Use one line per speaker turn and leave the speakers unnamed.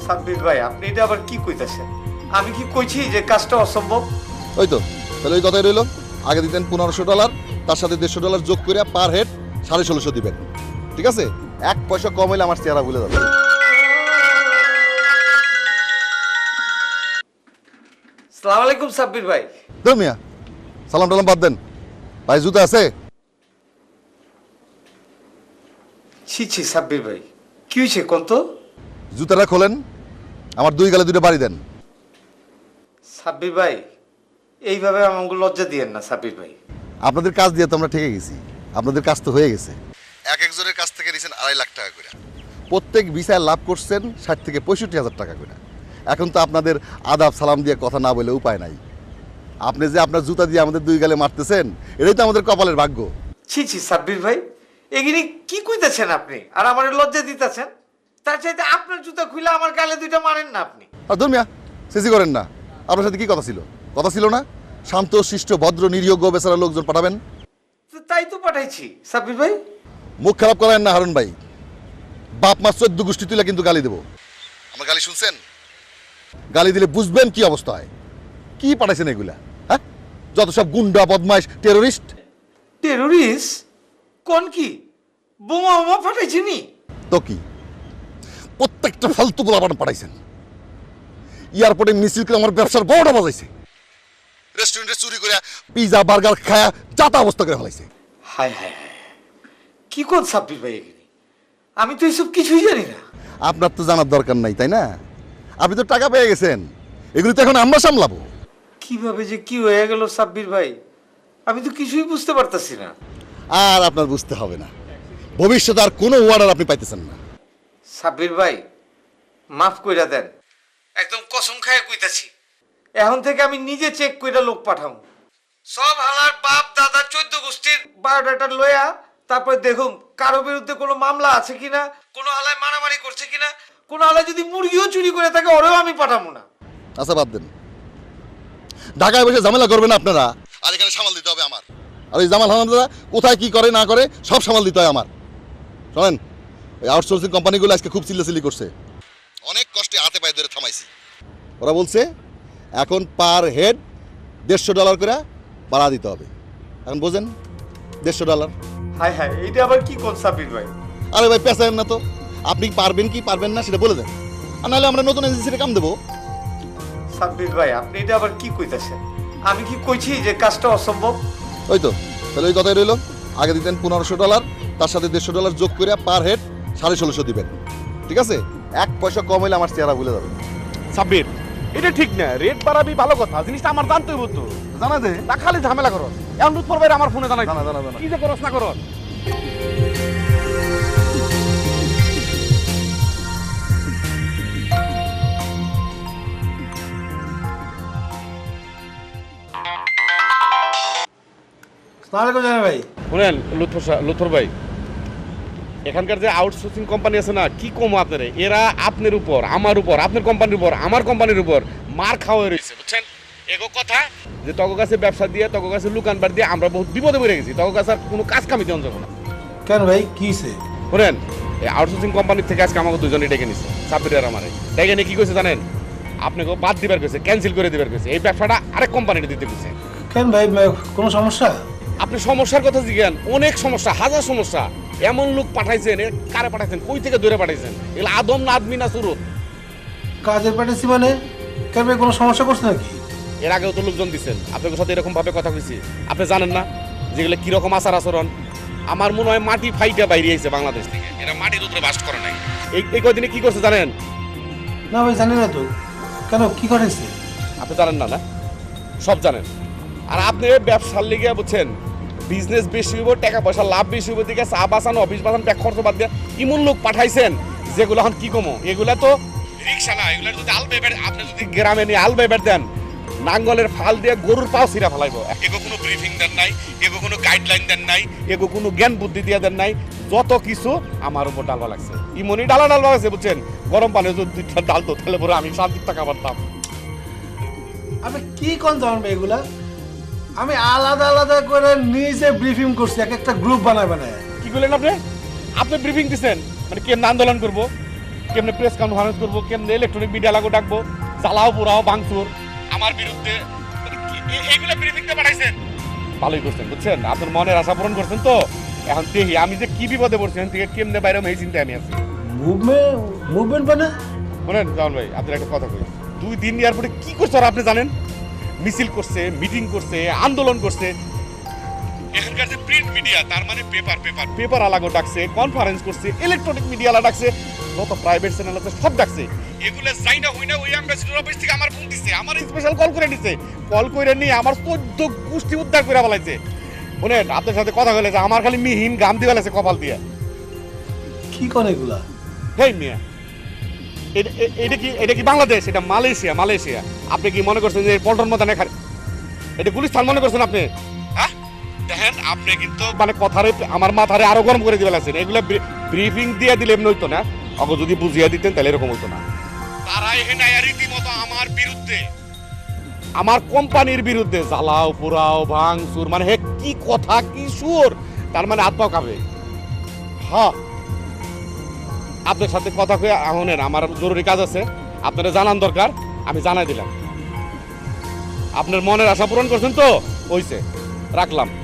সাব্বির ভাই আপনি এটা আবার কি কইতাছেন? আমি কি কইছি যে কাজটা অসম্ভব?
ওই তো, তাহলে ওই কথাই রইল। আগে দিতেন $1500, তার সাথে $150 যোগ করে পার হেড 1650 দিবেন। ঠিক আছে, 1 পয়সা কম হইলে আমার চেহারা ভুলে যাবে।
আসসালামু আলাইকুম সাব্বির ভাই।
ধর মিয়া, সালাম টালাম বাদ দেন। ভাই জুতা আছে?
ছি ছি সাব্বির ভাই, কি হয়েছে কোন তো?
জুতাটা খোলেন, আমার 2 গালে 2টা বাড়ি দেন।
সাব্বির ভাই এইভাবে আমাকে লজ্জা দিয়েন না সাব্বির ভাই।
আপনাদের কাজ দিয়ে তো আমরা ঠেকে গেছি, আপনাদের কাজ তো হয়ে গেছে। এক একজনের কাছ থেকে নিয়েছেন 2.5 লাখ টাকা করে, প্রত্যেক ভিসায় লাভ করছেন 60 থেকে 65 হাজার টাকা করে। এখন তো আপনাদের আদাব সালাম দিয়ে কথা না বলে উপায় নাই। আপনি যে আপনার জুতা দিয়ে আমাদের 2 গালে মারতেছেন, এটাই তো আমাদের কপালের ভাগ্য।
ছি ছি সাব্বির ভাই, এগিনি কি কইতাছেন আপনি? আর আমার লজ্জা দিতেছেন? তার চাইতে আপনার জুতা খুলে আমার গালে 2টা মারেন না আপনি।
আর ধর মিয়া, সিসি করেন না। আপনার সাথে কি কথা ছিল? কথা ছিল না শান্ত শিষ্ট ভদ্র নিরীহ বেচারা লোকজন পাঠাবেন?
তো তাই তো পাঠাইছি সাব্বির ভাই।
মুখ খারাপ করেন না হারুন ভাই। বাপ মা 14 গোষ্ঠী তুলে কিন্তু গালি দেবো। আমার গালি শুনছেন? গালি দিলে বুঝবেন কি অবস্থা হয়। কি পাঠাইছেন এগুলা? হ্যাঁ, যত সব গুন্ডা বদমাইশ টেরোরিস্ট।
টেরোরিস্ট কোন কি? বোমা বোমা ফাটাইছি নি?
তো কি প্রত্যেকটা ফালতু গোলাপান পাঠাইছেন। এয়ারপোর্টে মিছিল করে আমার ব্যবসার বড়টা বাজাইছে। রেস্টুরেন্টে চুরি করে পিজা বার্গার খায়া যাতা অবস্থা করে ফেলাইছে।
হায় হায় হায়, কি কোন সাব্বির ভাই এগিনি? আমি তো এসব কিছুই জানি না।
আপনার তো জানার দরকার নাই, তাই না? আপনি তো টাকা পেয়ে গেছেন, এগুলি তো এখন আমরা সামলাবো।
কিভাবে যে কি হয়ে গেল সাব্বির ভাই, আমি তো কিছুই বুঝতে পারতাছি না।
আর আপনার বুঝতে হবে না, ভবিষ্যতে আর কোনো ওয়ার্ডার আপনি পাইতেছেন না।
সাব্বির ভাই মাফ কইরা দেন, একদম কসম খায় কইতাছি, এখন থেকে আমি নিজে চেক কইরা লোক পাঠাবো। সব হালার বাপ দাদা 14 গোষ্ঠীর বায়োডাটা লইয়া তারপরে দেখুন কারো বিরুদ্ধে কোনো মামলা আছে কিনা, কোনো হালায় মারামারি করছে কিনা, কোনো হালায় যদি মুরগিও চুরি করে থাকে ওরেও আমি পাঠাবো না।
আচ্ছা বাদ দেন, ঢাকায় বসে ঝামেলা করবেন আপনারা, আর এখানে সামাল দিতে হবে আমার। আর ওই জামাল হামানদারা কোথায় কি করে না করে সব সামাল দিতে হয় আমার। শোনেন, ওই আউটসোর্সিং কোম্পানিগুলো আজকে খুব চিল্লাচিল্লি করছে। অনেক কষ্টে হাতে পায়ে ধরে থামাইছি। ওরা বলছে এখন পার হেড $150 করে বাড়া দিতে হবে। এখন বোঝেন, $150।
হায় হায়, এইটা আবার কি কোন সাব্বির ভাই?
আরে ভাই পেঁচায়েন না তো, আপনি পারবেন কি পারবেন না সেটা বলে দেন, আর নাহলে আমরা নতুন এজেন্সিতে কাম দেবো।
সাব্বির ভাই আপনি এটা আবার কি কইতাছেন? আমি কি কইছি যে কাজটা অসম্ভব?
ওই তো, তাহলে ওই কথাই রইল। আগে দিতেন $1500, তার সাথে $150 যোগ করে পার হেড 1650 দিবেন। ঠিক আছে, 1 পয়সা কম হইলে আমার চেহারা ভুলে যাবে।
সাব্বির, এটা ঠিক না। রেট বাড়াবি ভালো কথা, জিনিসটা আমার জানতেই হতো।
জানা দে
তা খালি ঝামেলা করো। এখন লুৎফর ভাই আমার ফোনে জানাই
জানা জানা জানা
কি যে করস না করস।
আসসালামু আলাইকুম ভাই।
শুনেন লুৎফর ভাই, এখানকার যে আউটসোর্সিং কোম্পানি আছে না, কি কম আপনার, এরা আপনার উপর, আমার উপর, আপনার কোম্পানির উপর, আমার কোম্পানির উপর মার খাওয়া রয়েছে, বুঝছেন? এগো কথা যে তগো কাছে ব্যবসা দিয়ে, তগো কাছে লুকানবার দিয়ে আমরা বহুত বিপদে পড়ে গেছি। তগো কাছে আর কোনো কাজ কামি দেওয়া যাবে না।
কেন ভাই কি হইছে?
শুনেন, এই আউটসোর্সিং কোম্পানির থেকে আজকে আমাকে দুজনে ডেকে নিছে, সাব্বির আর আমারে ডেকে নিয়ে কি কইছে জানেন? আপনাকে বাদ দিবার কইছে, ক্যান্সেল করে দিবার কইছে, এই ব্যবসাটা আরেক কোম্পানিতে দিতে কইছে।
কেন ভাই কোনো সমস্যা?
আপনি সমস্যার কথা জিজ্ঞান, অনেক সমস্যা, হাজার সমস্যা। এমন লোক পাঠাইছেন, কারে পাঠাইছেন, কই থেকে দূরে পাঠাইছেন, এগুলো আদম না আদমি না সুরত?
কাজের পাঠাইছি মানে? কেন ভাই কোনো সমস্যা করছে নাকি?
এর আগেও তো লোকজন দিচ্ছেন, আপনাদের সাথে এরকম ভাবে কথা কইছি, আপনি জানেন না যেগুলো কিরকম আচার আচরণ? আমার মনে হয় মাটি ফাইটা বাইরে আইছে বাংলাদেশ থেকে, এরা মাটির উপরে বাস করে নাই। এই কয়দিনে কি করছে জানেন?
না ভাই জানি না তো। কেন কি করেছে?
আপনি জানেন না? না, সব জানেন। আর আপনি ব্যবসার লিগে বুঝছেন, বিজনেস বেশি হইব, টাকা পয়সা লাভ বেশি হইব, দিকে চা বাঁচানো, অফিস বাঁচানো, ব্যাগ খরচ বাদ দিয়ে ইমন লোক পাঠাইছেন যেগুলো এখন কি কমো, এগুলা তো রিক্সা না। এগুলা যদি আলবেবের, আপনি যদি গ্রামে নিয়ে আলবেবের দেন, নাঙ্গলের ফাল দিয়ে গরুর পাও ছিঁড়া ফেলাইব। এগো কোনো ব্রিফিং দেন নাই, এগো কোনো গাইডলাইন দেন নাই, এগো কোনো জ্ঞান বুদ্ধি দিয়ে দেন নাই, যত কিছু আমার উপর ডালবা লাগছে। ইমনি ডালা লাগছে, বুঝছেন? গরম পানি যদি ডাল তো তাহলে পরে আমি শান্তির টাকা পারতাম।
আমি কি কোন জানেন ভাই এগুলা? আমি আলাদা আলাদা করে নিজে ব্রিফিং করছি, একটা গ্রুপ বানায় বানায়।
কি করলেন আপনি? আপনি ব্রিফিং দিচ্ছেন মানে কি আন্দোলন করবো? কেমনে প্রেস কনফারেন্স করবো, কেমনে ইলেকট্রনিক মিডিয়া লাগো ডাকবো, জ্বালাও পোড়াও ভাঙচুর আমার বিরুদ্ধে, এইগুলো ব্রিফিংতে পাঠাইছেন। ভালোই করছেন বুঝছেন, আপনার মনের আশা পূরণ করছেন। তো এখন দেখি আমি যে কি বিপদে পড়ছি, এখন থেকে কেমনে বাইরে এই চিন্তায় আমি আছি।
মুভমেন্ট মানে
শোনেন জামান ভাই, আপনার একটা কথা কই, 2 দিন এয়ারপোর্টে কি করছে আর আপনি জানেন? মিছিল করছে, মিটিং করছে, আন্দোলন করছে। এখানকার যে প্রিন্ট মিডিয়া, তার মানে পেপার আলাগো ডাকছে, কনফারেন্স করছে, ইলেকট্রনিক মিডিয়া আলা ডাকছে, যত প্রাইভেট চ্যানেল আছে সব ডাকছে। এগুলো যাই না হই না ওই অ্যাম্বাসিডর অফিস থেকে আমার ফোন দিছে, আমার স্পেশাল কল করে দিছে, কল করে নিয়ে আমার 14 গোষ্ঠী উদ্ধার করে বলাইছে। শুনেন আপনার সাথে কথা বলে যে আমার খালি মিহিন গাম দিয়ে বলেছে কপাল দিয়ে।
কি করে এগুলা?
হেই মিয়া, এটা কি বাংলাদেশ? এটা মালয়েশিয়া। আপনি কি মনে করছেন যে পল্টন ময়দান এখানে এটা গুলিস্তান মনে করছেন আপনি? হ্যাঁ দেখেন, আপনি কিন্তু মানে কথারে আমার মাথারে আরো গরম করে দিবেন আছেন। এগুলো ব্রিফিং দিয়ে দিলে এমনি হইতো না, অগো যদি বুঝিয়ে দিতেন তাহলে এরকম হইতো না। তারা এখানে রীতিমতো আমার বিরুদ্ধে, আমার কোম্পানির বিরুদ্ধে জ্বালাও পোড়াও ভাঙচুর, মানে হে কি কথা কি সুর, তার মানে হাত পাও কাঁপে। হ্যাঁ আপনার সাথে কথা কয়ে শোনেন, আমার জরুরি কাজ আছে, আপনারা জানান দরকার, আমি জানাই দিলাম। আপনার মনের আশা পূরণ করছেন তো, হইছে, রাখলাম।